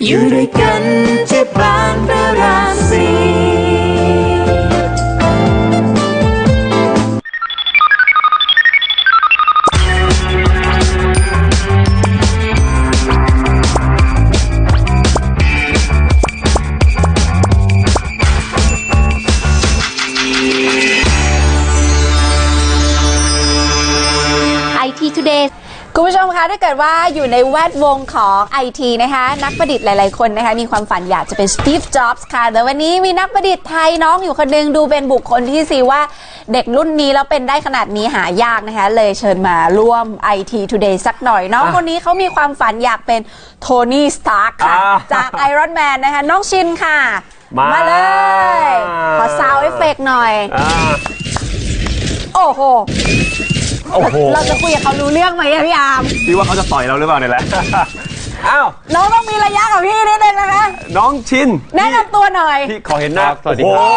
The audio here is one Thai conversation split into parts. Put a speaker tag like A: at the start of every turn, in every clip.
A: อยู่ด้วยกันที่บ้านพระรามสี่
B: คุณผู้ชมคะถ้าเกิดว่าอยู่ในแวดวงของ IT นะคะนักประดิษฐ์หลายๆคนนะคะมีความฝันอยากจะเป็น Steve Jobs ค่ะแต่วันนี้มีนักประดิษฐ์ไทยน้องอยู่คนนึงดูเป็นบุคคลที่ซีว่าเด็กรุ่นนี้แล้วเป็นได้ขนาดนี้หายากนะคะเลยเชิญมาร่วม IT Today สักหน่อยน้องคนนี้เขามีความฝันอยากเป็นโทนี่สตาร์คค่ะจาก Iron Man นะคะน้องชินค่ะมาเลยขอซาวด์เอฟเฟกต์หน่อยโอ้โหเราจะคุยกับเขารู้เรื่องไหมพี่อาร์ม
C: พี่ว่าเขาจะต่อยเราหรือเปล่าเนี่ยแหละ อ้าว
B: น้องต้องมีระยะกับพี่นิดนึงนะคะ
C: น้องชิน
B: แนะนำตัวหน่อย
C: พี่ขอเห็นหน้า
D: สวัสดีครับ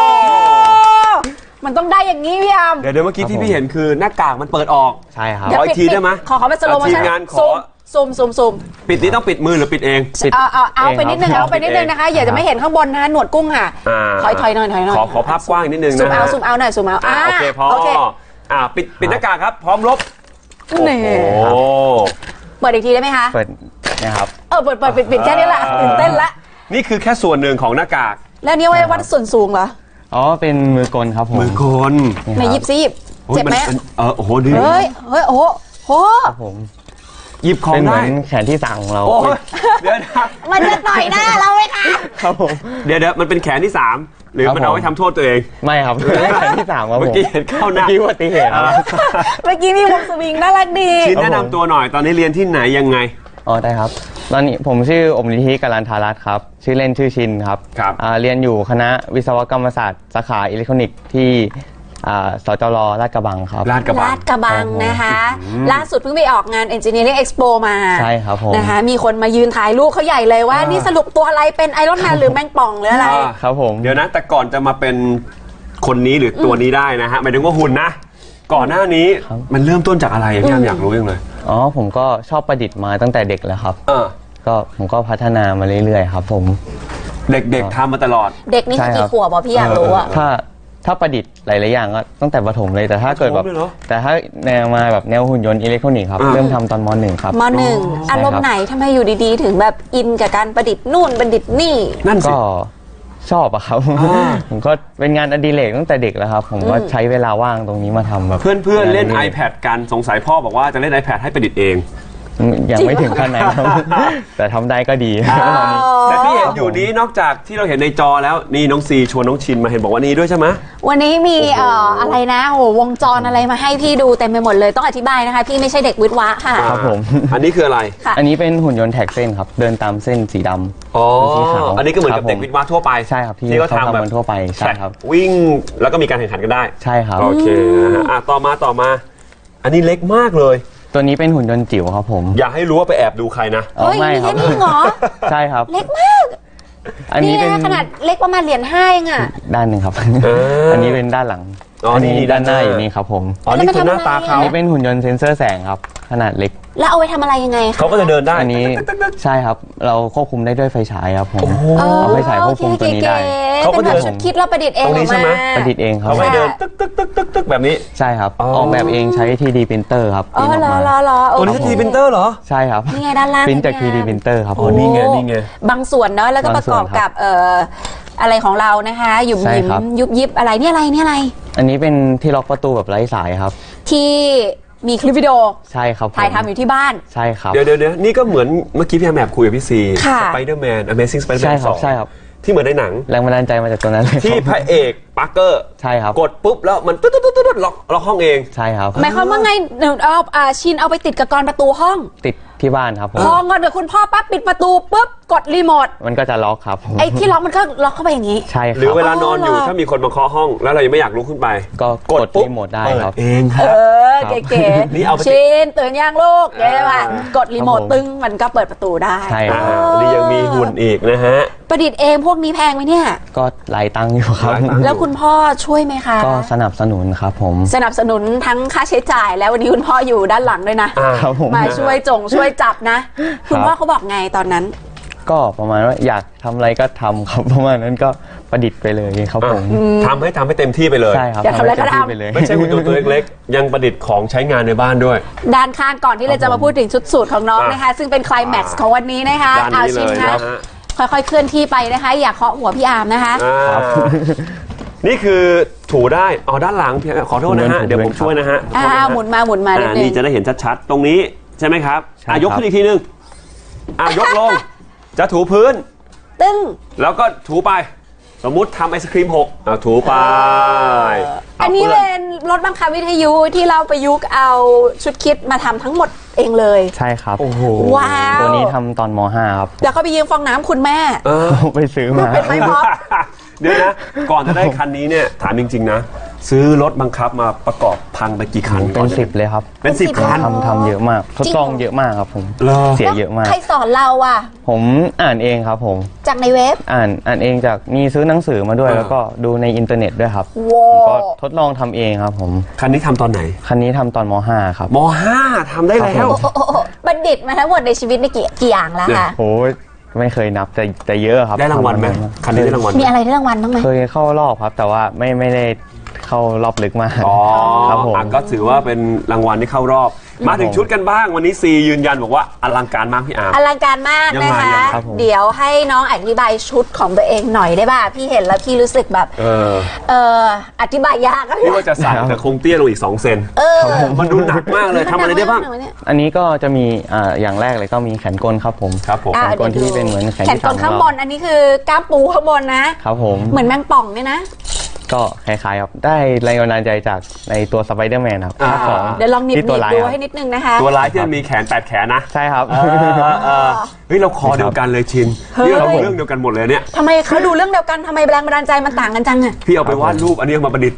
B: มันต้องได้อย่างนี้พี่อาร์ม
C: เดี๋ยวเมื่อกี้ที่พี่เห็นคือหน้ากากมันเปิดออก
D: ใช่ครับ
C: ขออีกทีได้ไหม
B: ขอเป็นสโลโมชั่น
C: ทีมงานขอ
B: ซูม
C: ปิดนี้ต้องปิดมือหรือปิดเอง
B: เอาไปนิดนึงเอาไปนิดนึงนะคะอย่าจะไม่เห็นข้างบนนะหนวดกุ้งค่ะถอยหน่อย
C: ขอภาพกว้างนิดนึงนะ
B: ซูมเอาหน่อยซูมเอา
C: โอเคพอปิดหน้ากากครับพร้อมลบ
B: นี่เปิดอีกทีได้ไหมคะ
D: เปิดนะครับ
B: เปิดปิดแค่นี้แหละตื่นเต้นละ
C: นี่คือแค่ส่วนหนึ่งของหน้ากาก
B: แล้วนี่ไว้วัดส่วนสูงเหรอ
D: อ๋อเป็นมือกลครับผม
C: มือกล
B: ไหนหยิบซิเจ็บไหม
C: โอ้โหดี
B: เฮ้ยโอ้โห
D: ผม
C: หยิบของได้
D: เป็นเหมือนแขนที่3ของเรา
C: เดี๋ยว
B: มันจะต่อยหน้าเราไหมคะ
D: ครับผม
C: เดี๋ยวมันเป็นแขนที่3หรือมันเอาไว้ทำโทษตัวเอง
D: ไม่ครับแขนที่3ครับผม
C: เมื่อกี้เห็นเข้าหน้า
D: เมื่อกี้อุบัติเหตุ
B: เมื่อกี้มีวงสวิงน่ารักดี
C: ชินแนะนำตัวหน่อยตอนนี้เรียนที่ไหนยังไง
D: อ๋อได้ครับตอนนี้ผมชื่ออมนิธิกัลลันทารัตน์ครับชื่อเล่นชื่อชินครับเรียนอยู่คณะวิศวกรรมศาสตร์สาขาอิเล็กทรอนิกส์ที่สจร.ลาดกระบังครับ
B: ลาดกระบังนะคะล่าสุดเพิ่งไปออกงาน Engineering Expo มา
D: ใช่ครับผม
B: นะคะมีคนมายืนถ่ายรูปเขาใหญ่เลยว่านี่สรุปตัวอะไรเป็นไอรอนแมนหรือแมงป่องหรืออะไร
D: ครับผม
C: เดี๋ยวนะแต่ก่อนจะมาเป็นคนนี้หรือตัวนี้ได้นะฮะหมายถึงว่าหุ่นนะก่อนหน้านี้มันเริ่มต้นจากอะไรพี่อยากรู้ยังเลย
D: อ๋อผมก็ชอบประดิษฐ์มาตั้งแต่เด็กแล้วครับก็ผมก็พัฒนามาเรื่อยๆครับผม
C: เด็กๆทำมาตลอด
B: เด็กนี่กี่ขวบพี่อยากรู้อะ
D: ถ้าประดิษฐ์หลายๆอย่างก็ตั้งแต่ประถมเลยแต่ถ้าเกิดแบบแต่ถ้าแนวมาแบบแนวหุ่นยนต์อิเล็กทรอนิกส์ครับเริ่มทำตอนม.1 ครับ
B: ม.1 อารมณ์ไหนทำไมอยู่ดีๆถึงแบบอินกับการประดิษฐ์นู่นประดิษฐ์นี่
C: นั่นสิ
D: ก็ชอบอะครับผมก็เป็นงานอดิเรกตั้งแต่เด็กแล้วครับผมก็ใช้เวลาว่างตรงนี้มาทำแบบ
C: เพื่อนๆเล่น iPad กันสงสัยพ่อบอกว่าจะเล่น iPad ให้ประดิษฐ์เอง
D: ยังไม่ถึงขั้นไหนครับแต่ทำได้ก็ดี
C: แต่ที่เห็นอยู่นี้นอกจากที่เราเห็นในจอแล้วนี่น้องซีชวนน้องชินมาเห็นบอกว่านี้ด้วยใช่ไหม
B: วันนี้มีอะไรนะโอ้วงจรอะไรมาให้พี่ดูเต็มไปหมดเลยต้องอธิบายนะคะพี่ไม่ใช่เด็กวิทย์วะค่ะ
D: ครับผม
C: อันนี้คืออะไร
D: อันนี้เป็นหุ่นยนต์แท็กเส้นครับเดินตามเส้นสีดำ
C: สีขาวอันนี้ก็เหมือนกับเด็กวิทย์วะทั่วไป
D: ใช่ครับที่เขาทำกันทั่วไปใช่ครับ
C: วิ่งแล้วก็มีการแข่งขันกันได้
D: ใช่ครับ
C: โอเคต่อมาอันนี้เล็กมากเลย
D: ตัวนี้เป็นหุ่นยนต์จิ๋วครับผม
C: อย่าให้รู้ว่าไปแอบดูใครนะ
D: ไม่ครับใช่ครับ
B: เล็กมากอันนี้นะขนาดเล็กประมาณเหรียญ5เองอ่ะ
D: ด้านหนึ่งครับอันนี้เป็นด้านหลังอันนี้ด้านหน้าอยู่นี่ครับผม
C: นี่คือหน้าตาเขา
D: อันนี้เป็นหุ่นยนต์เซ็นเซอร์แสงครับขนาดเล็ก
B: แล้วเอาไว้ทำอะไรยังไง
C: เขาก็จะเดินได้
D: อันนี้ใช่ครับเราควบคุมได้ด้วยไฟฉายครับผมเอาไฟฉายควบคุมตัวนี้ได้
B: เขาก็เดินคิดเราประดิษฐ์เอง
C: ใช่ไหม
D: ประดิษฐ์เองครับ
C: เขาไม่เดินตึ๊กแบบนี้
D: ใช่ครับออกแบบเองใช้ 3D printer ครับ
B: อ๋อเหรอ
C: ตัวนี้ 3D printer เหรอ
D: ใช่ครับ
B: นี่ไงด้านล่าง
D: พิมพ์จาก 3D printer ครับ
C: นี่ไง
B: บางส่วนเนาะแล้วก็ประกอบกับอะไรของเรานะคะหยุมหยิมยุบยิบอะไรนี่อะไร
D: อันนี้เป็นที่ล็อกประตูแบบไร้สายครับ
B: ที่มีคลิปวิดีโอ
D: ใช่ครับ
B: ถ่ายทำอยู่ที่บ้าน
D: ใช่ครับ
C: เดี๋ยวนี่ก็เหมือนเมื่อกี้พี่แอมแอบคุยกับพี่ซี Spider-Man Amazing Spider-Man 2
D: ใช่ครับ
C: ที่เหมือนในหนัง
D: แรงบันดาลใจมาจากตัวนั้นเลย
C: ที่พระเอกปาร์เกอร์
D: ใช่ครับ
C: กดปุ๊บแล้วมันตุ๊ดล็อกห้องเอง
D: ใช่ครับ
B: หมายความว่าไงชินเอาไปติดกับกรประตูห้อง
D: ติดที่บ้านครับ
B: พอเงินเดี๋ยวคุณพ่อปั๊บปิดประตูปุ๊บกดรีโมท
D: มันก็จะล็อกครับ
B: ไอ้ที่ล็อกมันก็ล็อกเข้าไปอย่างนี้
D: ใช่ครับ
C: หรือเวลานอนอยู่ถ้ามีคนมาเคาะห้องแล้วเรายังไม่อยากลุกขึ้นไป
D: ก็กดรีโมทได้ครับ
C: เองครับ
B: เก๋ๆนี่เอาชินตื่นยังลูกได้ป่ะกดรีโมทตึ้งมันก็เปิดประตูได้
D: ใช่
C: นี่ยังมีหุ่นอีกนะฮะ
B: ประดิษฐ์เองพวกนี้แพงไหมเนี่ย
D: ก็หลายตังค์อยู่ครับ
B: แล้วคุณพ่อช่วยไหมคะ
D: ก็สนับสนุนครับผม
B: สนับสนุนทั้งค่าใช้จ่ายแล้ววันนี้คุณพ่ออยู่ด้านหลังด้วยนะมาช่วยจับนะคุณพ่อเขาบอกไงตอนนั้น
D: ก็ประมาณว่าอยากทำอะไรก็ทำครับ ประมาณนั้นก็ประดิษฐ์ไปเลยครับผม
C: ทำให้เต็มที่ไปเลย
D: ใช่ครับ
B: อยากทำอะไรก็
D: เต็มที่
B: ทำ
D: ไปเลย
C: ไม่ใช่หุ่นยนต์ตัวเล็กๆ ยังประดิษฐ์ของใช้งานในบ้านด้วย
B: ด้านข้างก่อนที่เราจะมาพูดถึงชุดสูทของน้อง
C: อ่ะ
B: นะคะ ซึ่งเป็นไคลแม็กซ์ของวันนี้นะคะ
C: ด้านนี้เลย
B: ชิม
C: นะ
B: นะ
C: ฮะ
B: ค่อยๆเคลื่อนที่ไปนะคะ อย่าเคาะหัวพี่อาร์มนะคะ
C: อ่านี่คือถูได้ด้านหลังขอโทษนะฮะ
D: ผม
C: เดี๋ยวผมช่วยนะฮะ
B: หมุนมานิดนึ
C: นี่
B: ง
C: จะได้เห็นชัดๆ ตรงนี้ใช่ไหมครับ
D: ใช่ครับ
C: ยกขึ้นอีกทีนึงยกลง จะถูพื้น
B: ตึ้ง
C: แล้วก็ถูไป สมมุติทำไอศครีมหกถูไป
B: อันนี้
C: อา
B: เป็
C: ปื้
B: นรถบังคับวิทยุที่เราประยุกต์เอาชุดคิดมาทำทั้งหมดเองเลย
D: ใช่ครับ
C: โอ้โห
B: ว้าว
D: ตัวนี้ทำตอนม .5 ครับ
B: แล้วก็ไปยืมฟองน้ำคุณแม่
D: ไปซื้อมา
B: เป็นไม้ม็อบ
C: เดี๋ยวนะ ก่อนจะได้คันนี้เนี่ยถามจริงๆนะ ซื้อรถบังคับมาประกอบพังไปกี่คัน
D: เป็น10เลยครับ
C: เป็น 10 คัน
D: ทำเยอะมาก ทดลองเยอะมากครับผม
C: เหรอ
D: เสียเยอะมาก
B: ใครสอนเราอ่ะ
D: ผมอ่านเองครับผม
B: จากในเว็บ
D: อ่านเองจากมีซื้อหนังสือมาด้วย แล้วก็ดูในอินเทอร์เน็ตด้วยครับ
B: ว้า
D: ผม
B: ว
D: ก็ทดลองทำเองครับผม
C: คันนี้ทำตอนไหน
D: คันนี้ทำตอนม .5 ครับ
C: ม .5 ทำได้แล้ว
B: โอ้โหบัณฑิตมาทั้งหมดในชีวิตในกี่อย่างแล้วคะ
D: โอ้ยไม่เคยนับแต่เยอะครับ
C: ได้รางวัลไหม
D: ทำา
C: คันนี้ได้รางวัลไหม
B: มีอะไรได้รางวัลบ้างไหม
D: เคยเข้ารอบครับ แต่ว่าไม่ได้เข้ารอบลึกมาก ครับผม
C: ก็ถือว่าเป็นรางวัลที่เข้ารอบ มาถึงชุดกันบ้างวันนี้ซียืนยันบอกว่าอลังการมากพี่อาร์ม
B: อลังการมาก
C: ยังไง
B: นะคะ
C: ยังไง
D: ครับผม
B: เดี๋ยวให้น้องอธิบายชุดของตัวเองหน่อยได้ป่ะ พี่เห็นแล้วพี่รู้สึกแบบ อธิบายยากอะ
C: พี่ว่าจะใส่แต่คงเตี้ยลงอีก2 เซนมันดูหนักมากเลยทำอะไรได้บ้าง
D: อันนี้ก็จะมีอย่างแรกเลยก็มีแขนกลครับผม
C: ครับผม
B: อ่ะ
D: แขนกลที่เป็นเหมือนแขน
B: แขน
D: ที่
B: ก
D: สา
B: ล
D: ม
B: ข้าง
D: ของ
B: บ
D: เรา
B: นอันนี้คือกล้ามปูข้างบนนะ
D: ครับผม
B: เหมือนแมงป่องเนี่ยนะ
D: ก็คล้ายๆครับได้แรงบันดาลใจจากในตัวสไปเดอร์แมนครับ
C: อ่า
D: ภาคสอง
B: เดี๋ยวลองหนิบ
D: ที่ตัวร้าย
B: ดู
D: ครับ
B: ให้นิดนึงนะคะ
C: ตัวร้ายที่มันมีแขน8 แขนนะ
D: ใช่ครับ
C: เฮ้ยเราคอเดียวกันเลยชินนี่เราเรื่องเดียวกันหมดเลยเนี่ย
B: ทำไมเขาดูเรื่องเดียวกันทำไมแรงบันดาลใจมันต่างกันจังอะ
C: พี่เอาไปวาดรูปอันนี้เอามาประดิษฐ์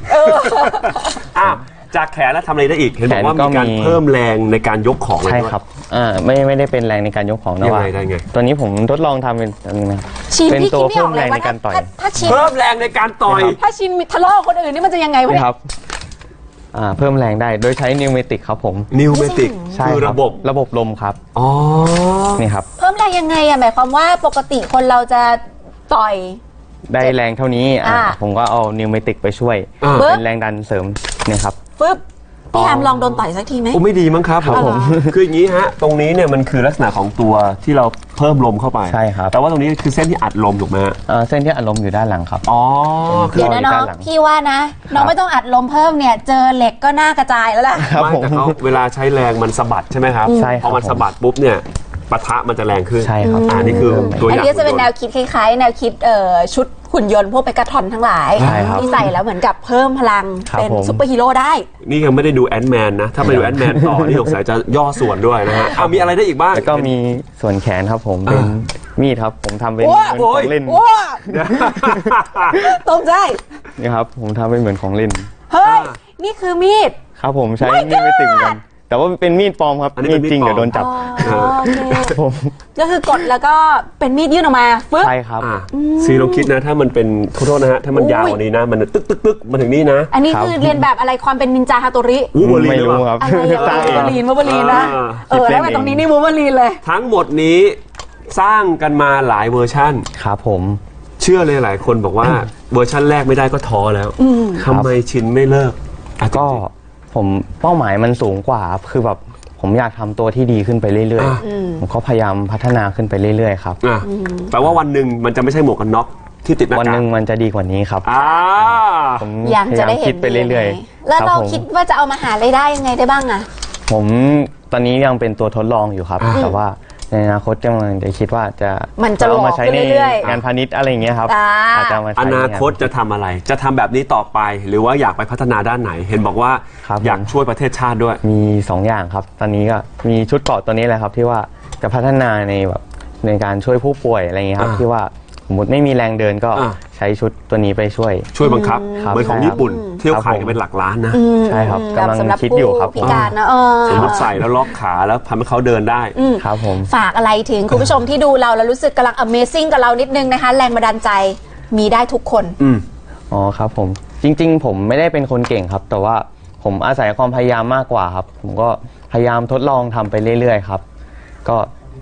C: จากแขนแล้วทำอะไรได้อีกเห็นบอกว่า
D: แขนก็
C: มีการ
D: มี
C: เพิ่มแรงในการยกของเลย
D: ใช่
C: ด้วย
D: ครับไม่ได้เป็นแรงในการยกของนะ
C: ยัง
D: ว่า
C: ไงได้ไง
D: ตัวนี้ผมทดลองทำเป็นอันนี้นะ
B: ชิน
D: เป็น
B: พี่
D: ตั
B: คิ
D: ว
B: ดไม่ออกเลย
D: เพิ่มแรง
B: ว่า
D: ในการต่อย
B: ถ้าชิน
C: เพิ่มแรงในการต่อย
B: ถ้าชินทะเลาะกับคนอื่นนี่มันจะยังไงวะ
D: นี่
B: เนี่ย
D: ครับเพิ่มแรงได้โดยใช้นิวเมติกครับผม
C: นิวเมติก
D: ใช่
C: คือ
D: ค
C: ระบบ
D: ลมครับ
C: อ๋อ
D: นี่ครับ
B: เพิ่มแรงยังไงอะหมายความว่าปกติคนเราจะต่อย
D: ได้แรงเท่านี้ผมก็เอานิวเมติกไปช่วย
B: ปึ๊บ
D: เป็นแรงดันเสริมเนี่ยครับ
B: ปึ๊บพี่แอมลองโดนต่อยสักทีไหม
C: โอ้ไม่ดีมั้งครับ
D: ครับผม
C: คืออย่างนี้ฮะตรงนี้เนี่ยมันคือลักษณะของตัวที่เราเพิ่มลมเข้าไป
D: ใช่ครับ
C: แต่ว่าตรงนี้คือเส้นที่อัดลมถูกไหมฮะ
D: เส้นที่อัดลมอยู่ด้านหลังครับ
C: อ๋อคือ
B: เดี๋ยวนะน้อง
D: ด้านหลัง
B: พี่ว่านะ น้องไม่ต้องอัดลมเพิ่มเนี่ย เจอเหล็กก็น่ากระจายแล้วล่ะ
D: ครับ
C: ไม่
D: ผม
C: แต่เขาเวลาใช้แรงมันสะบัดใช่ไหมครับ
D: ใช่ครับ
C: พอมันสะบัดปุ๊บเนี่ยปะทะมันจะแรงขึ้น
D: ใช่ครับ
C: นี่คือตัวอ
B: อัน
C: ย่าง
B: นี้จะเป็นแนวคิดคล้ายๆ แนวคิดชุดหุ่นยนต์พวกเปกาทอนทั้งหลาย
D: ใช่ครับ
B: ที่ใส่แล้วเหมือนกับเพิ่มพลัง
D: ครับ
B: เป็น
D: ผม
B: ซุปเปอร์ฮีโร่ได้
C: นี่ยังไม่ได้ดูแอนด์แมนนะ ถ้าไปดูแอนด์แมนต่อ นี่สงสัยจะย่อส่วนด้วยนะฮะมีอะไรได้อีกบ้าง
D: แล้วก็มีส่วนแขนครับผมเป็นมีดครับผมทำเป็น
B: โอ้
D: เหมือนของเล่น
B: ว้าตรงใจ
D: นี่ครับผมทำเป็นเหมือนของเล่น
B: เฮ้ย นี่คือมีด
D: ครับผมใช้มีดไม่ติดเหมือนกันแต่ว่าเป็นมีดปลอมครับ
C: อันนี้
D: มี
C: เป็
D: ด
C: นมีด
D: จริง
C: ปลอม
D: เดี๋ยวโดนจับ
B: อ๋อโอเค
D: ผม
B: ก็คือกดแล้วก็เป็นมีดยื่นออกมาฟึ๊บ
D: ใช่ครับ
C: ซีลองคิดนะ ถ้ามันเป็นขอโทษนะฮะ ถ้ามันยาวกว่านี้นะ มันตึกตึกตึกมาถึงนี่นะ
B: อันนี้
D: ครับ
B: คือเรียนแบบอะไรความเป็นนินจาฮาโตริ
C: วูบอรีน
D: ไม่
C: หรือ
D: รู้
C: เป
D: ค
C: ล่า
D: รับ
B: อะไรอย่าง
D: สร้างเอง
B: วูบอรีนนะแล้วมาตรงนี้นี่วูบอรีนเลย
C: ทั้งหมดนี้สร้างกันมาหลายเวอร์ชั่น
D: ครับผม
C: เชื่อเลยหลายคนบอกว่าเวอร์ชั่นแรกไม่ได้ก็ท้อแล้วทำไมชินไม่เลิก
D: ก็ผมเป้าหมายมันสูงกว่าครับคือแบบผมอยากทำตัวที่ดีขึ้นไปเรื่อยๆผมก็พยายามพัฒนาขึ้นไปเรื่อยๆครับ
C: แปลว่าวันหนึ่งมันจะไม่ใช่หมวกกันน็อกที่ติดหน้ากาก
D: วันหนึ่งมันจะดีกว่านี้ครับ ผม
B: ยังจะได้เห็น
D: คิดไปเรื่อย
B: ๆแล้ว
D: ๆ
B: เรา
D: ผม
B: คิดว่าจะเอามาหารายได้ยังไงได้บ้างอะ
D: ผมตอนนี้ยังเป็นตัวทดลองอยู่ครับ แต่ว่าในอนาคตกำลังจะคิดว่าจะ
B: มันจะหล
D: เอา
B: อก
D: มาใช้
B: ขึ้น
D: ใน
B: เรื่อยๆ
D: งานพาณิชย์อะไรอย่างเงี้ยครับ อาจจะเอามาใช้
C: อ
D: ในง
C: นาคตจะทำอะไร จะทำแบบนี้ต่อไป หรือว่าอยากไปพัฒนาด้านไหน เห็นบอกว่า
D: ครับ
C: อยากช่วยประเทศชาติด้วย
D: มี2อย่างครับ ตอนนี้ก็มีชุดเกราะตัวนี้แหละครับ ที่ว่าจะพัฒนาในแบบในการช่วยผู้ป่วยอะไรอย่างเงี้ยครับที่ว่าสมมติไม่มีแรงเดินก็ใช้ชุดตัวนี้ไปช่วย
C: ช่วยบังคับ
D: ครับ
C: เหมือนของ
D: ใช่ครับ
C: ญี่ปุ่นเที่ยว
D: ครับ
C: ขายกันเป็นหลักล้านนะ
D: ใช่ครับ
B: แบบ
D: กำลัง
B: สำหรับ
D: คิดอยู่ครับ
B: ผู้พิการนะ
C: สมมติใส่แล้วล็อกขาแล้วทำให้เขาเดินได้
D: ครับผม
B: ฝากอะไรถึงคุณผู้ชมที่ดูเราแล้วรู้สึกกำลัง Amazing กับเรานิดนึงนะคะ แรงบันดาลใจมีได้ทุกคน
D: อ๋อครับผมจริงๆ ผมไม่ได้เป็นคนเก่งครับ แต่ว่าผมอาศัยความพยายามมากกว่าครับ ผมก็พยายามทดลองทำไปเรื่อยๆครับ ก็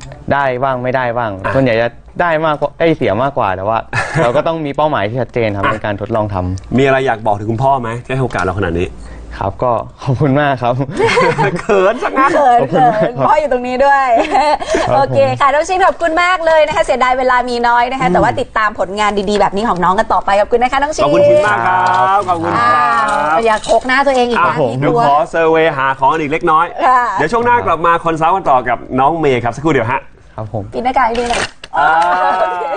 D: ได้บ้างไม่ได้บ้างส่วนใหญ่จะได้มากกว่าเสียมากกว่าแต่ว่า เราก็ต้องมีเป้าหมายที่ชัดเจนครับในการทดลองทำ
C: มีอะไรอยากบอกถึงคุณพ่อไหมที่ให้โอกาสเราขนาดนี้
D: ครับก็ขอบคุณมากครับ
C: เขินสักงั้น
B: เขินพ่ออยู่ตรงนี้ด้วย โอเคค่ะน้องชินขอบคุณมากเลยนะคะเสียดายเวลามีน้อยนะคะแต่ว่าติดตามผลงานดีๆแบบนี้ของน้องกันต่อไปขอบคุณนะคะน้องชิน
C: ขอบคุณคุณมากครับขอบคุณครับ
B: อย่าโคกหน้าตัวเองอีกนะ
C: เดี๋ยวขอเซอร์เวย์หาของอีกเล็กน้อย
B: ค่ะ
C: เดี๋ยวช่วงหน้ากลับมาคอนซัลท์กันต่อกับน้องเมย์ครับสักครู่เดียวฮะ
D: ครับผม
B: ปิดหน้ากากให้ดูหน่อย
C: อ่า